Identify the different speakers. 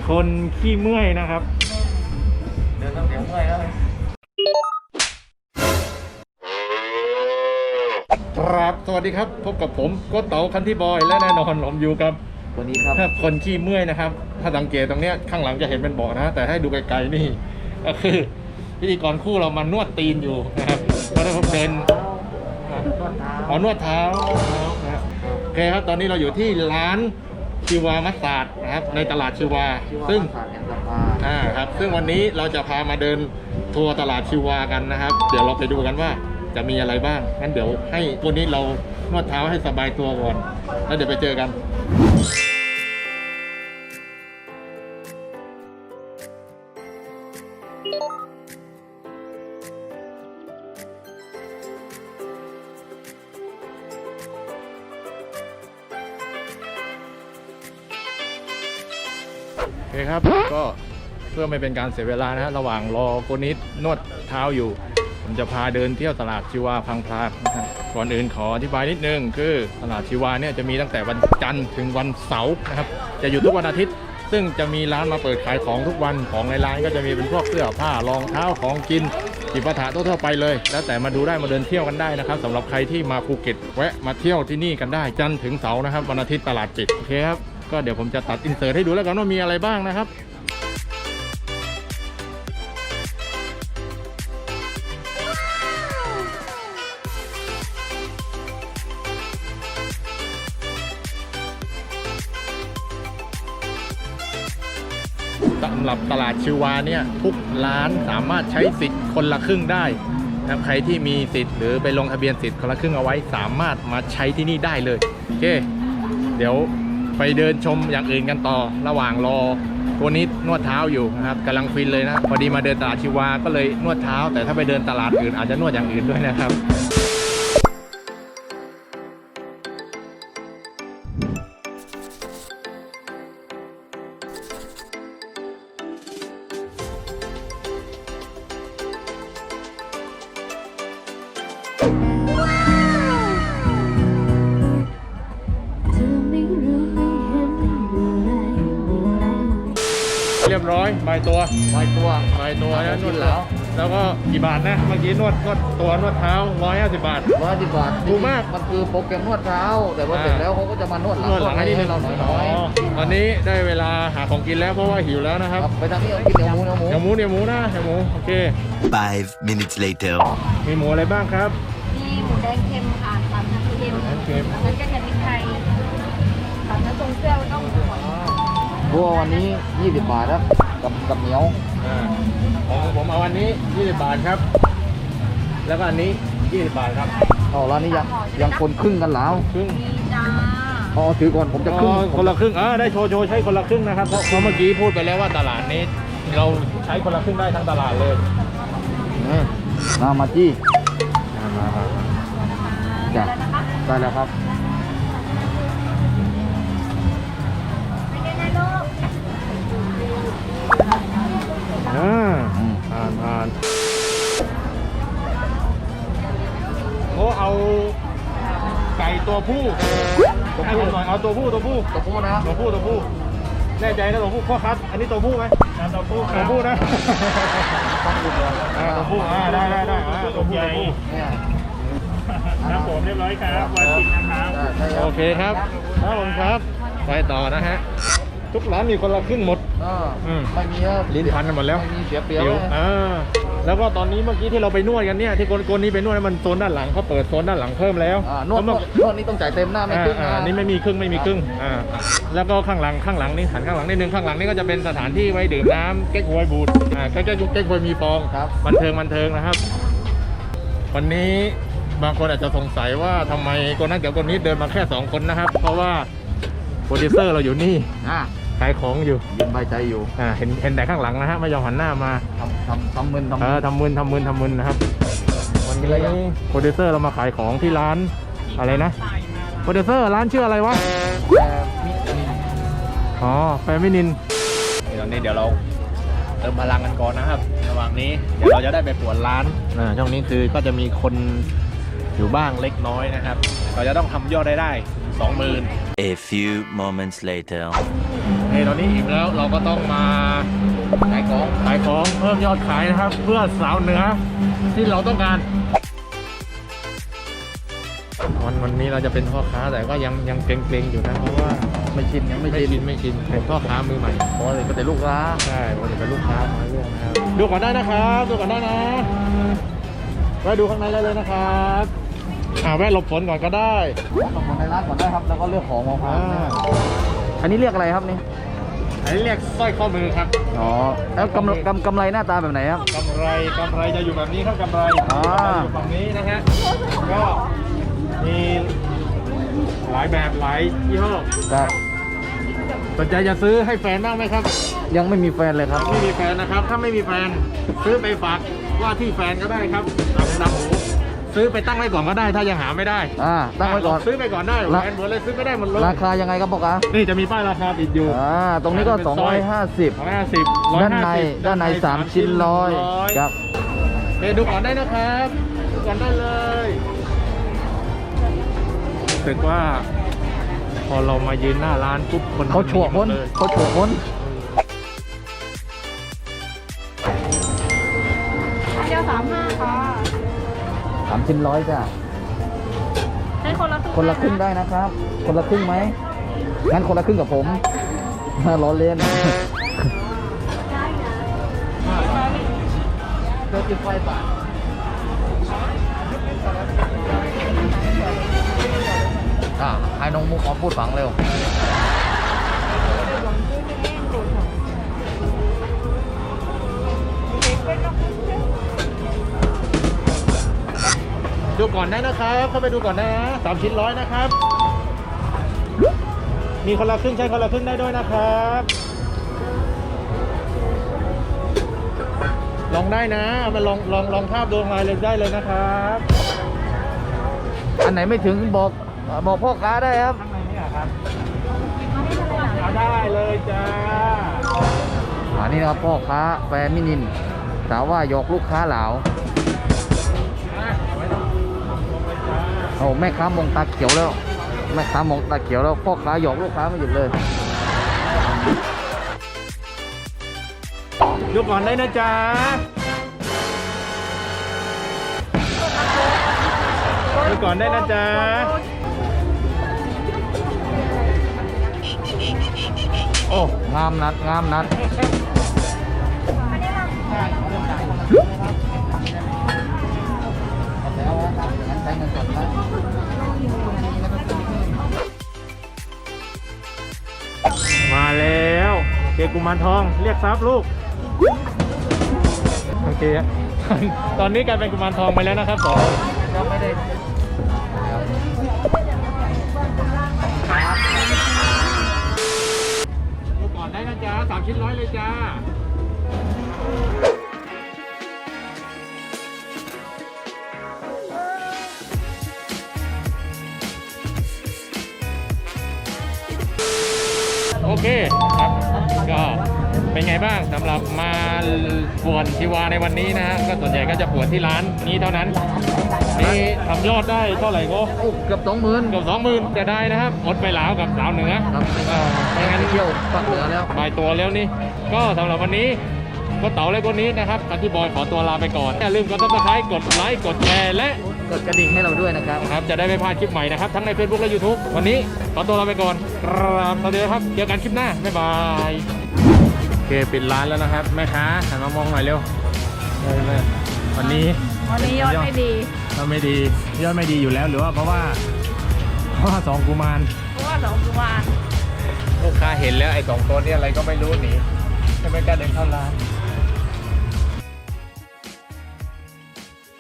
Speaker 1: คนขี้เมื่อยนะครับ
Speaker 2: เดินต้องเดี๋ยวเมื่อยแล้ว
Speaker 1: ครับสวัสดีครับพบกับผมโก็เต๋าคันที่บอยและแน่นอนผมอยู่กับ
Speaker 2: วันนี้ครับ
Speaker 1: คนขี้เมื่อยนะครับถ้าสังเกตตรงเนี้ยข้างหลังจะเห็นเป็นเบาะนะแต่ให้ดูไกลๆนี่ก็คือพิธีกรคู่เรามานวดตีนอยู่นะครับก็ได้พบเดินนวดเท้านะครับโอเคครับตอนนี้เราอยู่ที่ร้านชิวามัสตาร์ดนะครับในตลาดชิวาซึ่งครับซึ่งวันนี้เราจะพามาเดินทัวร์ตลาดชิวากันนะครับเดี๋ยวเราไปดูกันว่าจะมีอะไรบ้างงั้นเดี๋ยวให้วันนี้เรานวดเท้าให้สบายตัวก่อนแล้วเดี๋ยวไปเจอกันโอเคครับก็เพื่อไม่เป็นการเสียเวลานะฮะระหว่างรอโกนิดนวดเท้าอยู่ผมจะพาเดินเที่ยวตลาดชิวาพังพลาดนะครับก่อนอื่นขออธิบายนิดนึงคือตลาดชิวาเนี่ยจะมีตั้งแต่วันจันทร์ถึงวันเสาร์นะครับจะอยู่ทุกวันอาทิตย์ซึ่งจะมีร้านมาเปิดขายของทุกวันของในร้านก็จะมีเป็นพวกเสื้อผ้ารองเท้าของกินจิปาถะทั่วไปเลยแล้วแต่มาดูได้มาเดินเที่ยวกันได้นะครับสำหรับใครที่มาภูเก็ตแวะมาเที่ยวที่นี่กันได้จันทร์ถึงเสาร์นะครับวันอาทิตย์ตลาดปิดโอเคครับก็เดี๋ยวผมจะตัดอินเสิร์ตให้ดูแล้วกันว่ามีอะไรบ้างนะครับสำหรับตลาดชิวาเนี่ยทุกร้านสามารถใช้สิทธิ์คนละครึ่งได้นะครับใครที่มีสิทธิ์หรือไปลงทะเบียนสิทธิ์คนละครึ่งเอาไว้สามารถมาใช้ที่นี่ได้เลยโอเคเดี๋ยวไปเดินชมอย่างอื่นกันต่อระหว่างรอตัวนี้นวดเท้าอยู่นะครับกำลังฟินเลยนะพอดีมาเดินตลาดชิวาก็เลยนวดเท้าแต่ถ้าไปเดินตลาดอื่นอาจจะนวดอย่างอื่นด้วยนะครับเรียบร้อยใบตัวนะนวดแล้วก็กี่บาทนะเมื่อกี้นวดตัวนวดเท้า150 บาทถูกมาก
Speaker 2: มันคือโปรแกรมนวดเท้าแต่ว่าเสร็จแล้วเขาก็จะมานวดหลังให้เราหน่อย
Speaker 1: ตอนนี้ได้เวลาหาของกินแล้วเพราะว่าหิวแล้วนะครับ
Speaker 2: ไปทางนี้กินเนื้อหมูนะเนื้อหมู
Speaker 1: โอเค
Speaker 3: 5 minutes later
Speaker 1: มีหมูอะไรบ้างครับ
Speaker 4: มีหมูแดงเค็มค่ะตำน้ำเค็มแล้วก็จะมีพริกไทยตำน้ำทรงเซี่ยวต้องหอย
Speaker 2: บัววันนี้20 บาทครับกับเหนียว
Speaker 1: ของผมเอาวันนี้20 บาทครับแล้วก็อันนี้20 บาทครับ
Speaker 2: ร้านนี้ยังคนครึ่งกันแล้ว
Speaker 1: ครึ่ง
Speaker 4: จ้า
Speaker 2: ถือก่อนผมจะครึ่ง
Speaker 1: คนละครึ่งได้โชว์ใช้คนละครึ่งนะครับเพราะเมื่อกี้พูดไปแล้วว่าตลาดนี้เราใช้คนละครึ่งได้ทั้งตลาดเลย
Speaker 2: มาจี้จ้ะได้แล้วครับ
Speaker 1: ผ่านโอ้เอาไก่ตัวผู้ให้ผมหน่อยเอาตัวผู้นะตัวผู้แน่ใจนะตัวผู้พ่อคัดอันนี้ตัวผู้ไหมตัวผู้นะตัวผู้ได้ตัวผู้
Speaker 5: ครับผมเรียบร้อยครับวันกินนะครับ
Speaker 1: โอเคครับครับไปต่อนะฮะทุกร้านมีคนละครึ่งหมด
Speaker 2: ไม่มี
Speaker 1: ลิ้นพันกันหมดแล้ว
Speaker 2: ไม่มีเสียเปรียบ
Speaker 1: แล้วก็ตอนนี้เมื่อกี้ที่เราไปนวดกันเนี่ยที่โกนนี้ไปนวดมันโซนด้านหลังเขาเปิดโซนด้านหลังเพิ่มแล้ว
Speaker 2: นวดนี่ต้องจ่ายเต็มหน้าไม่ครึ่ง
Speaker 1: นี่ไม่มีครึ่งแล้วก็ข้างหลังนี่หันข้างหลังนิดนึงข้างหลังนี่ก็จะเป็นสถานที่ไว้ดื่มน้ำเก๊กฮวยบูดเก๊กฮวยมีฟองบันเทิงนะครับวันนี้บางคนอาจจะสงสัยว่าทำไมคนนั้นกับคนนี้เดินมาแค่2 คนนะครับเพราะว่าโปรดิวเซอร์เราอยู่นี่ขายของอยู่
Speaker 2: ยืนใบใจอยู่
Speaker 1: เห็นแต่ข้างหลังนะฮะไม่ยอมหันหน้ามา
Speaker 2: ทำมึน
Speaker 1: นะครับวันนี้โปรดิวเซอร์เรามาขายของที่ร้านอะไรนะโปรดิวเซอร์ร้านชื่ออะไรวะแฟมินินตอนนี้เดี๋ยวเราเติมพลังกันก่อนนะครับระหว่างนี้เดี๋ยวเราจะได้ไปปวดร้านช่วงนี้คือก็จะมีคนอยู่บ้างเล็กน้อยนะครับเราจะต้องทำยอดได้ 20,000
Speaker 3: A few moments later
Speaker 1: โอเคตอนนี้อิ่มแล้วเราก็ต้องมาขายของเพิ่มยอดขายนะครับ เพื่อสาวเหนือที่เราต้องการวันนี้เราจะเป็นพ่อค้าแต่ก็ยังเกรงๆอยู่นะเพราะว่า
Speaker 2: ไม่ชินยังไม่ชิน
Speaker 1: ไม่ชินเป็นพ่อค้ามือใหม่
Speaker 2: เพราะว่าก็แต่ลูกค้า
Speaker 1: ใช่ผมจะเป็นลูกค้ามาเรื่อยนะครับดูก่อนได้นะครับดูก่อนได้นะแวะดูข้างในได้เลยนะครับแวะหลบฝนก่อนก็ได้
Speaker 2: ต้องมาในร้านก่อนได้ครับ แล้วก็เลือกของมา
Speaker 1: อ่า
Speaker 2: อันนี้เรียกอะไรครับนี่
Speaker 1: อันนี้เรียกสร้อยข้อมือครับ
Speaker 2: อ๋อ แล้วกำไรหน้าตาแบบไหนครับ
Speaker 1: กำไรจะอยู่แบบนี้ครับกำไร
Speaker 2: อ่า
Speaker 1: จะอยู่ฝั่งนี้นะฮะก็มีหลายแบบหลายยี่ห้อ
Speaker 2: ครับ
Speaker 1: สนใจจะซื้อให้แฟนบ้างไหมครับ
Speaker 2: ยังไม่มีแฟนเลยครับ
Speaker 1: ไม่มีแฟนนะครับ ถ้าไม่มีแฟนซื้อไปฝากว่าที่แฟนก็ได้ครับนำหูซื้อไปตั้งไว้ก่อนก็ได้ถ้ายังหาไม่ได้
Speaker 2: ตั้งไว้ก่อน
Speaker 1: ซื้อไปก่อนได้แฟนเหมือนเลยซื้อไม่ได้หมดเลย
Speaker 2: ราคายังไงครับพ่อค้า
Speaker 1: นี่จะมีป้ายราคาติดอยู่
Speaker 2: ตรงนี้ก็ 250
Speaker 1: 250
Speaker 2: ด้านใน3 ชิ้น100ครับ
Speaker 1: ดูก่อนได้นะครับดูก่อนได้เลยรู้สึกว่า พอเรามายืนหน้าร้านปุ๊บคน
Speaker 2: เขาโฉวพ้น
Speaker 1: เลย
Speaker 2: เขาโฉวพ้น
Speaker 4: อันเดียว35ค่ะ
Speaker 2: 3 ชิ้น100จ้ะ
Speaker 4: ให้คนละ
Speaker 2: คนละครึ่งได้นะครับ คนละครึ่งไหมงั้นคนละครึ่งกับผม ล้อเล่นเติมไฟบาทให้น้องมุกมาพูดฝังเร็ว
Speaker 1: ดูก่อนได้นะครับ เข้าไปดูก่อนนะ3 ชิ้น100นะครับ มีคนละครึ่งใช้คนละครึ่งได้ด้วยนะครับ ลองได้นะเอามาลองภาพดูมาเลยได้เลยนะครับ
Speaker 2: อันไหนไม่ถึงบอกพ่อค้าได้ครับ
Speaker 1: ข้างในนี่ครับเอาได้เลยจ้า
Speaker 2: อันนี้นะครับพ่อค้าแฟนมินินสาวว่าหยอกลูกค้าเหลาโอ้แม่ค้ามองตาเขียวแล้ว แม่ค้ามองตาเขียวแล้วพ่อค้าหยอกลูกค้าไม่หยุดเลย
Speaker 1: ดูก่อนได้นะจ๊ะดูก่อนได้นะจ๊ะโอ้
Speaker 2: งามนัดงามนัดใช้เงินสดนะ
Speaker 1: มาแล้วเกกุมารทองเรียกทรัพย์ลูกโอเค ตอนนี้กลายเป็นกุมารทองไปแล้วนะครับผม
Speaker 2: ก็ไม่ได้
Speaker 1: ดูก่อนได้นะจ๊ะ3 ชิ้น100เลยจ้าโอเคครับก็เป็นไงบ้างสำหรับมาปวดชีวาในวันนี้นะฮะก็ส่วนใหญ่ก็จะปวดที่ร้านนี้เท่านั้นนี่ทำยอดได้เท่าไหร่ก็
Speaker 2: โอ้เกือบ20,000
Speaker 1: เกือบ20,000จะได้นะครับอดไปหลาวกับสาวเหนือ
Speaker 2: ครับ
Speaker 1: ไม่งั้น
Speaker 2: เที่ยวฝั่งเหนือแล้ว
Speaker 1: ไปตัวแล้วนี่ก็สำหรับวันนี้ก็เต๋าและคนนี้นะครับคันที่บอยขอตัวลาไปก่อนอย่าลืมกดซับสไครต์กดไลค์กดแชร์และ
Speaker 2: กดกระดิ่งให้เราด้วยนะครับ
Speaker 1: ครับจะได้ไม่พลาดคลิปใหม่นะครับทั้งใน Facebook และ YouTube วันนี้ขอตัวลาไปก่อนครับสวัสดีครับเจอกันคลิปหน้าบ๊ายบายโอเคปิดร้านแล้วนะครับแม่ค้าหันมามองหน่อยเร็วเลยวันนี้
Speaker 4: วันนี้ยอดไม่ดี
Speaker 1: ยอดไม่ดีอยู่แล้วหรือว่าเพราะว่าสองกุมาร
Speaker 4: เพราะว่าสองกุมาร
Speaker 1: ลูกค้าเห็นแล้วไอ้2 ตัวนี้อะไรก็ไม่รู้หนีไม่กล้าเดินเข้าร้าน